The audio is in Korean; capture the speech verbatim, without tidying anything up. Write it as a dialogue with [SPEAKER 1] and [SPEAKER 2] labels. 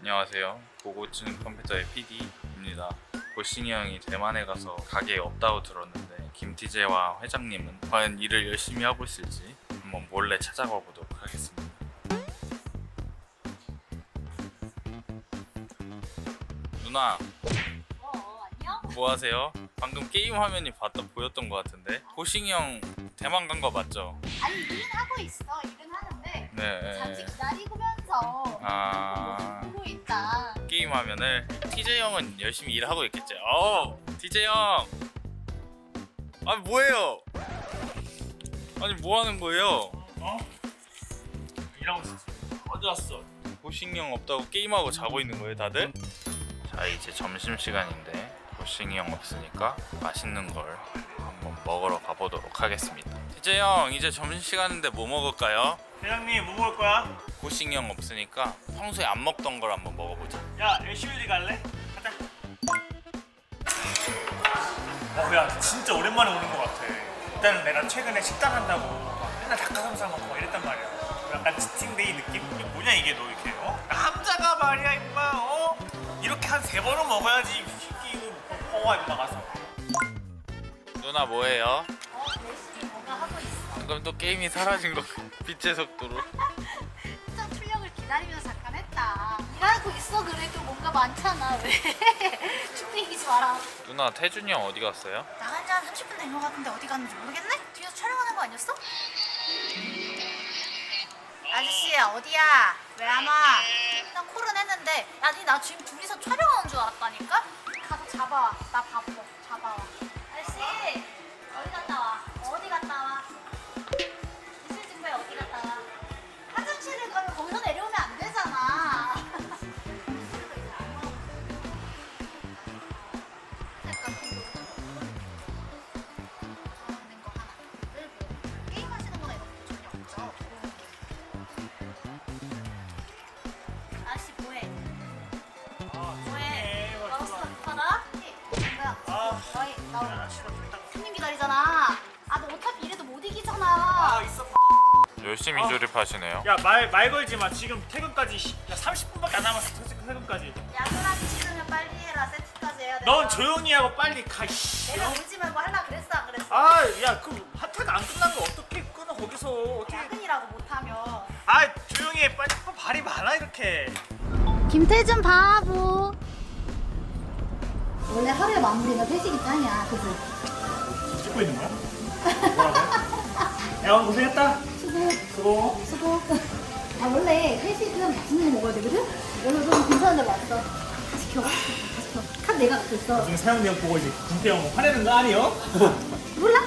[SPEAKER 1] 안녕하세요. 고고증 컴퓨터의 피디입니다. 고싱이 형이 대만에 가서 가게에 없다고 들었는데 김티제와 회장님은 과연 일을 열심히 하고 있을지 한번 몰래 찾아가 보도록 하겠습니다. 누나,
[SPEAKER 2] 어, 안녕?
[SPEAKER 1] 뭐 하세요? 방금 게임 화면이 봤다 보였던 것 같은데 고싱이 형 대만 간 거 맞죠?
[SPEAKER 2] 아니, 일은 하고 있어. 일은 하는데 잠시
[SPEAKER 1] 네.
[SPEAKER 2] 기다리면서
[SPEAKER 1] 아,
[SPEAKER 2] 보고 있다.
[SPEAKER 1] 게임 화면을 티제이 형은 열심히 일하고 있겠죠. 어, 티제이 형. 아, 뭐예요? 아니, 뭐 하는 거예요? 어? 일하고 있었어. 어디 왔어? 고싱이 형 없다고 게임하고 자고 있는 거예요, 다들? 자, 이제 점심시간인데 고싱이 형 없으니까 맛있는 걸 한번 먹으러 가보도록 하겠습니다. 티제이 형, 이제 점심시간인데 뭐 먹을까요?
[SPEAKER 3] 회장님 뭐 먹을 거야?
[SPEAKER 1] 고싱이 형 없으니까 평소에 안 먹던 걸 한번 먹어보자.
[SPEAKER 3] 야 에시우디 갈래? 가자. 어, 야 진짜 오랜만에 오는 것 같아. 일단 내가 최근에 식단 한다고 막 맨날 닭가슴살 먹고 막 이랬단 말이야. 약간 치팅데이 느낌? 이게 뭐냐 이게 너 이렇게 어? 남자가 말이야 임마 어? 이렇게 한 세 번은 먹어야지 쉽게 이거 먹고 임마 가서.
[SPEAKER 1] 누나 뭐해요?
[SPEAKER 2] 어, 열심히 뭔가 하고 있어.
[SPEAKER 1] 방금 또 게임이 사라진 거 빛의 속도로.
[SPEAKER 2] 특정 출력을 기다리면서 잠깐 했다. 일하고 있어. 그래도 뭔가 많잖아. 왜? 축내기지 마라.
[SPEAKER 1] 누나 태준이 형 어디 갔어요?
[SPEAKER 2] 나간 지 한 삼십 분 된 것 같은데 어디 갔는지 모르겠네? 뒤에서 촬영하는 거 아니었어? 아저씨 어디야? 왜 안 와? 난 콜은 했는데 아니 나 지금 둘이서 촬영하는 줄 알았다니까? 가서 잡아와. 나 바빠. 잡아와. 아저씨 어디 갔다 와? 어디 갔다 와? 이슬 증거에 어디 갔다 와? 화장실을 가면 거기서 내려오면 안 되잖아. 게임 하시는 거나 이런 거 전혀 없죠? 아저씨 뭐해? 뭐해? 마우스 급하다? 뭐야?
[SPEAKER 3] 아,
[SPEAKER 2] 너희 나
[SPEAKER 3] 야 싫어 좀 이따.
[SPEAKER 2] 손님 기다리잖아. 아 너 어차피 이래도 못 이기잖아.
[SPEAKER 3] 아 있어.
[SPEAKER 1] 열심히
[SPEAKER 3] 어.
[SPEAKER 1] 조립하시네요.
[SPEAKER 3] 야 말 말 걸지 마. 지금 퇴근까지 시- 야 삼십 분밖에 안 남았어. 퇴- 퇴근까지.
[SPEAKER 2] 야근하기 싫으면 빨리 해라. 세트까지 해야 돼.
[SPEAKER 3] 넌 조용히 하고 빨리 가. 이씨.
[SPEAKER 2] 내가 울지 말고 하려 그랬어 안 그랬어?
[SPEAKER 3] 아, 야, 그 핫팩 안 끝난 거 어떻게 끊어 거기서 어떻게?
[SPEAKER 2] 야근이라고 못하면.
[SPEAKER 3] 아, 조용히 해. 빨리 아, 발이 많아 이렇게.
[SPEAKER 2] 김태준 바보. 원래 하루의 마무리가 회식이 짱이야, 그지?
[SPEAKER 3] 찍고 있는 거야? 뭐라고? 야, 오늘 고생했다.
[SPEAKER 2] 수고,
[SPEAKER 3] 수고.
[SPEAKER 2] 수고. 아 원래 회식은 맛있는 거 먹어야 되거든? 오늘 좀 괜찮은 데로 왔어. 다 시켜, 다 시켜. 카드 내가 갖고 있어.
[SPEAKER 3] 지금 사용 내용 보고 이제 군대 형 화내는 거 아니요?
[SPEAKER 2] 몰라,